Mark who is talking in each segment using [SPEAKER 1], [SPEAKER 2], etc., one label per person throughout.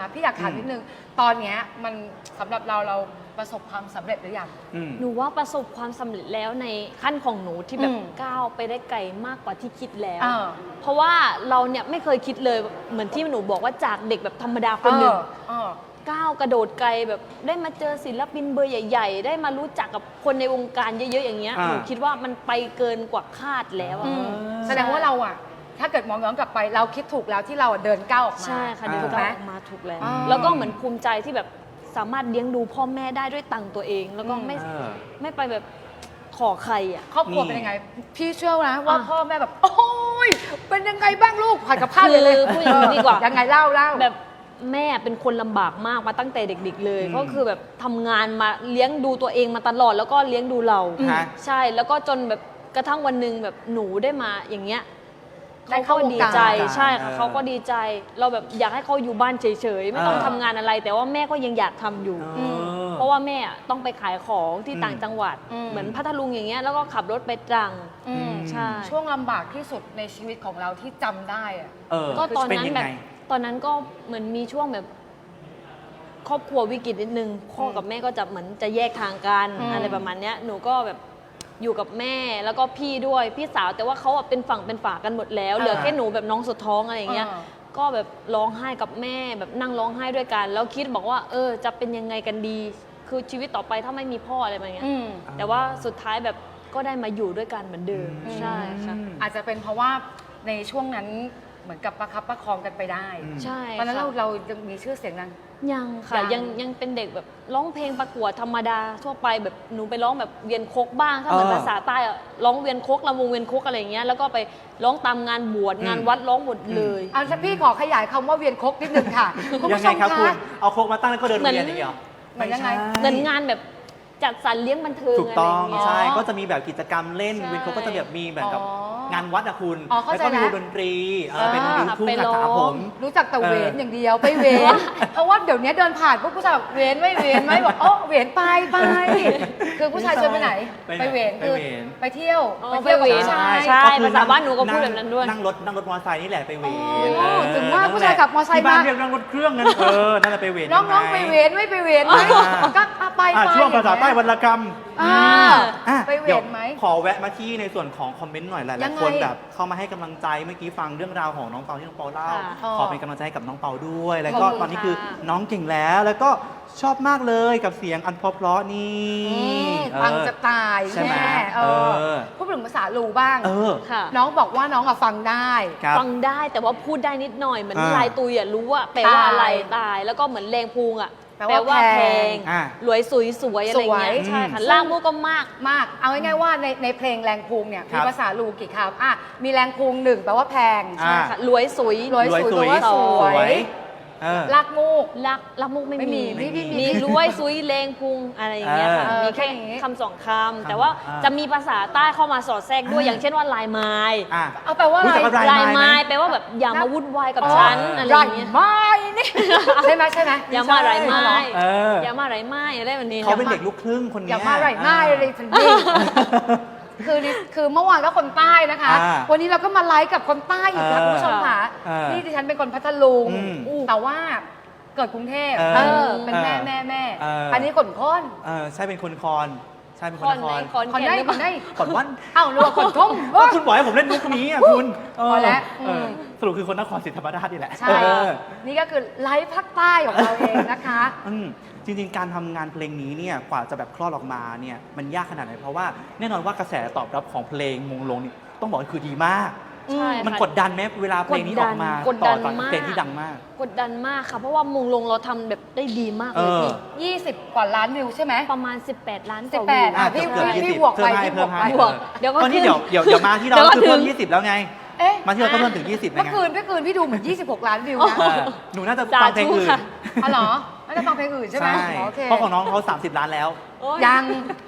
[SPEAKER 1] พี่อยากถามนิดนึงตอนเนี้ยมันสำหรับเราประสบความสำเร็จหรือยัง
[SPEAKER 2] หนูว่าประสบความสำเร็จแล้วในขั้นของหนูที่แบบก้าวไปได้ไกลมากกว่าที่คิดแล้ว เพราะว่าเราเนี่ยไม่เคยคิดเลยเหมือนที่หนูบอกว่าจากเด็กแบบธรรมดาคนหนึ่งก้าวกระโดดไกลแบบได้มาเจอศิลปินเบอร์ใหญ่ๆได้มารู้จักกับคนในวงการเยอะๆอย่างเงี้ยหนูคิดว่ามันไปเกินกว่าคาดแล้ว
[SPEAKER 1] แสดงว่าเราอะถ้าเกิดมองย้อนกลับไปเราคิดถูกแล้วที่เราเดินก้าวออกมา
[SPEAKER 2] ใช่ค่ะเดินก้าวออกมาถูกแล้วแล้วก็เหมือนภูมิใจที่แบบสามารถเลี้ยงดูพ่อแม่ได้ด้วยตังค์ตัวเอง แล้วก็ไม่ไปแบบขอใครอ่ะ
[SPEAKER 1] ครอบครัวเป็นยังไงพี่เชื่อนะว่าพ่อแม่แบบโอ้ยเป็นยังไงบ้างลูกผัดกับข้าวเลย
[SPEAKER 2] พูดอย่างนี้ดีกว่า
[SPEAKER 1] ยังไงเล่า
[SPEAKER 2] แบบแม่เป็นคนลำบากมากมาตั้งแต่เด็กๆเลยก็คือแบบทำงานมาเลี้ยงดูตัวเองมาตลอดแล้วก็เลี้ยงดูเราใช่แล้วก็จนแบบกระทั่งวันหนึ่งแบบหนูได้มาอย่างเงี้ยเขาก็ดีใจใช่ค่ะเขาก็ดีใจเราแบบอยากให้เขาอยู่บ้านเฉยๆไม่ต้องทำงานอะไรแต่ว่าแม่ก็ยังอยากทำอยู่เพราะว่าแม่ต้องไปขายของที่ต่างจังหวัดเหมือนพัทลุงอย่างเงี้ยแล้วก็ขับรถไปตรังใช่
[SPEAKER 1] ช่วงลำบากที่สุดในชีวิตของเราที่จำได้อะ
[SPEAKER 2] ก็ตอนนั้นแบบตอนนั้นก็เหมือนมีช่วงแบบครอบครัววิกฤตนิดนึงพ่อกับแม่ก็จะเหมือนจะแยกทางกันอะไรประมาณเนี้ยหนูก็แบบอยู่กับแม่แล้วก็พี่ด้วยพี่สาวแต่ว่าเขาเป็นฝั่งเป็นฝากันหมดแล้วเหลือแค่หนูแบบน้องสุดท้องอะไรอย่างเงี้ยก็แบบร้องไห้กับแม่แบบนั่งร้องไห้ด้วยกันแล้วคิดบอกว่าจะเป็นยังไงกันดีคือชีวิตต่อไปถ้าไม่มีพ่ออะไรแบบเนี้ยแต่ว่าสุดท้ายแบบก็ได้มาอยู่ด้วยกันเหมือนเดิมใช่ค่ะ
[SPEAKER 1] อาจจะเป็นเพราะว่าในช่วงนั้นเหมือนกับประคับประคองกันไปได้
[SPEAKER 2] ใช่
[SPEAKER 1] ตอนนั้นเรายังมีชื่อเสียงนั้น
[SPEAKER 2] ยังค่ะยังเป็นเด็กแบบร้องเพลงประกวดธรรมดาทั่วไปแบบหนูไปร้องแบบเวียนโคกบ้างถ้าเหมือนภาษาใต้ร้องเวียนโคกลำวงเวียนโคกอะไรอย่างเงี้ยแล้วก็ไปร้องตามงานบวชงานวัดร้องหมดเลย
[SPEAKER 1] พี่ขอขยายคำว่าเวียนโคกนิดนึงค่ะ
[SPEAKER 3] คุณผู้ชมคะเอาโคกมาตั้งแล้วก็เดินเวียนอย่างเงี้ย
[SPEAKER 1] เหมือนยังไง
[SPEAKER 2] เหมือนงานแบบจัดสรรเลี้ยงบันเทิง
[SPEAKER 3] ถูกต้องใช่ก็จะมีแบบกิจกรรมเล่นเวียนโคกก็จะแบบมีแบบกับงานวัดอะคุณแล้วก็มีดนตรีเป็นดนตรีทุ่งคาถาผม
[SPEAKER 1] รู้จักแต่เวนอย่างเดียวไปเวนเพราะว่าเดี๋ยวนี้เดินผ่านพวกผู้ชายเวนไม่เวนไหมบอกเวนไปคือผู้ชายชวนไปไหนไปเวนคือไปเที่ยวกับผู้ชาย
[SPEAKER 2] ใช่ภาษาบ้านหนูก็พูดแบบนั้นด้วย
[SPEAKER 3] นั่งรถมอเตอร์ไซค์นี่แหละไปเวน
[SPEAKER 1] ถึงว่าผู้ชายขับมอเตอร์ไซค์มา
[SPEAKER 3] เรียกนั่งรถเครื่องนั่นนั่นแหละไปเวน
[SPEAKER 1] น้องไปเวนไม่ไปเวนไหมก็ไป
[SPEAKER 3] ช่วงภาษาใต้วรรณกรรม
[SPEAKER 1] ไปเวนไหม
[SPEAKER 3] ขอแวะมาที่ในส่วนของคอมเมนต์หน่อยหลายๆคนแบบเข้ามาให้กำลังใจเมื่อกี้ฟังเรื่องราวของน้องเปาที่น้องเปาเล่าขอเป็นกำลังใจกับน้องเปาด้วยแล้วก็ตอนนี้คือน้องเก่งแล้วก็ชอบมากเลยกับเสียงอันเพราะนี่
[SPEAKER 1] ฟังจะตาย
[SPEAKER 3] ใช่ไหม
[SPEAKER 1] พูดถึงภาษาลูบ้างน้องบอกว่าน้องฟังได้
[SPEAKER 2] แต่ว่าพูดได้นิดหน่อยเหมือนลายตุยรู้ว่าแปลว่าอะไรตายแล้วก็เหมือนแรงพุงแปลว่าแพงรวยสวยอะไรเงี้ยใช่ค่ะล่างมุกก็มาก
[SPEAKER 1] เอาง่ายๆว่าในเพลงแรงพุงเนี่ยมีภาษาลูกี่คำมีแรงพุง1แปลว่าแพง
[SPEAKER 2] ใช่ค่ะรวยสวย
[SPEAKER 1] แปลว่าสวยลักมูก
[SPEAKER 2] ไม่มีมีรวยซุยเลงพุงอะไรอย่างเงี้ยค่ะมีแค่คำ2คำแต่ว่าจะมีภาษาใต้เข้ามาสอดแทรกด้วยอย่างเช่นว่าลายไม้
[SPEAKER 1] แปลว่า
[SPEAKER 2] ลายไม้แปลว่าแบบอย่ามาวุ่นวายกับฉันอะไรอย่างเงี้ย
[SPEAKER 1] ไม้นี่ใช่ไหม
[SPEAKER 2] อย่ามาไรไม้อย่ามาไรไม้อะไรแบบนี้
[SPEAKER 3] เขาเป็นเด็กลูกครึ่งคนนี้
[SPEAKER 1] อย่ามาไรไม้อะไรสักนิดคือเมื่อวานก็คนใต้นะคะวันนี้เราก็มาไลฟ์กับคนใต้อีกค่ะคุณผู้ชมค่ะนี่ดิฉันเป็นคนพัทลุงแต่ว่าเกิดกรุงเทพเป็นแม่อันนี้คนค้อน
[SPEAKER 3] ใช่เป็นคนคอนใช่เป็นคนคอน
[SPEAKER 1] คนได้
[SPEAKER 3] คนวัน
[SPEAKER 1] หรือว่าคนทุ่ง
[SPEAKER 3] คุณบอกให้ผมเล่นมุกนี้คุณ
[SPEAKER 1] พอแล้ว
[SPEAKER 3] สรุปคือคนนครศรีธรรมราชนี่แหละ
[SPEAKER 1] ใช่นี่ก็คือไลฟ์ภาคใต้ของเราเองนะคะ
[SPEAKER 3] จริงๆการทำงานเพลงนี้เนี่ยกว่าจะแบบคลอดออกมาเนี่ยมันยากขนาดไหนเพราะว่าแน่นอนว่ากระแสตอบรับของเพลงมงลงนี่ต้องบอกว่าคือดีมากมันกดดันไหมเวลาเพลงนี้ออกมาต่อจากเพลงที่ดังมาก
[SPEAKER 2] กดดันมากค่ะเพราะว่ามงลงเราทำแบบได้ดีมากเลย
[SPEAKER 1] พี่20 กว่าล้านวิวใช่ไหม
[SPEAKER 2] ประมาณ18 ล้าน
[SPEAKER 1] พี่บวกไป
[SPEAKER 2] เดี๋ยวก็
[SPEAKER 3] ตอนนี้เดี๋ยวมาที่เราคือเพิ่ม20แล้วไงมาที่เราก็เพิ่มถึง20
[SPEAKER 1] เมื่อคืนพี่ดูเหมือน26 ล้านวิวนะ
[SPEAKER 3] หนูน่าจะฟังเพลงอื่น
[SPEAKER 1] เหรอน่าจะฟังเพลงอื่นใช่ไหม
[SPEAKER 3] เพราะของน้องเขา30 ล้านแล้ว
[SPEAKER 1] ยัง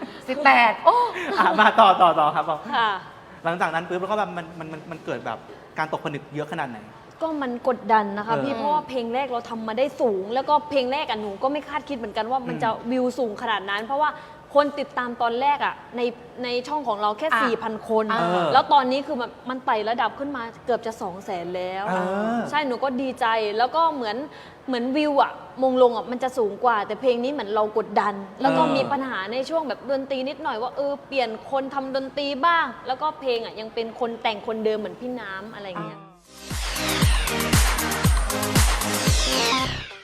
[SPEAKER 1] 18
[SPEAKER 3] มาต่อครับหลังจากนั้นปุ๊บแล้วก็แบบมันเกิดแบบการตกผลึกเยอะขนาดไหน
[SPEAKER 2] ก็มันกดดันนะคะพี่เพราะว่าเพลงแรกเราทำมาได้สูงแล้วก็เพลงแรกหนูก็ไม่คาดคิดเหมือนกันว่ามันจะวิวสูงขนาดนั้นเพราะว่าคนติดตามตอนแรกอ่ะในช่องของเราแค่ 4,000 คน แล้วตอนนี้คือมันไต่ระดับขึ้นมาเกือบจะ 200,000 แล้ว ใช่หนูก็ดีใจแล้วก็เหมือนวิวอ่ะมงลงอ่ะมันจะสูงกว่า แต่เพลงนี้เหมือนเรากดดัน แล้วก็มีปัญหาในช่วงแบบดนตรีนิดหน่อยว่าเปลี่ยนคนทำดนตรีบ้าง แล้วก็เพลงอ่ะยังเป็นคนแต่งคนเดิมเหมือนพี่น้ำอะไรเงี้ย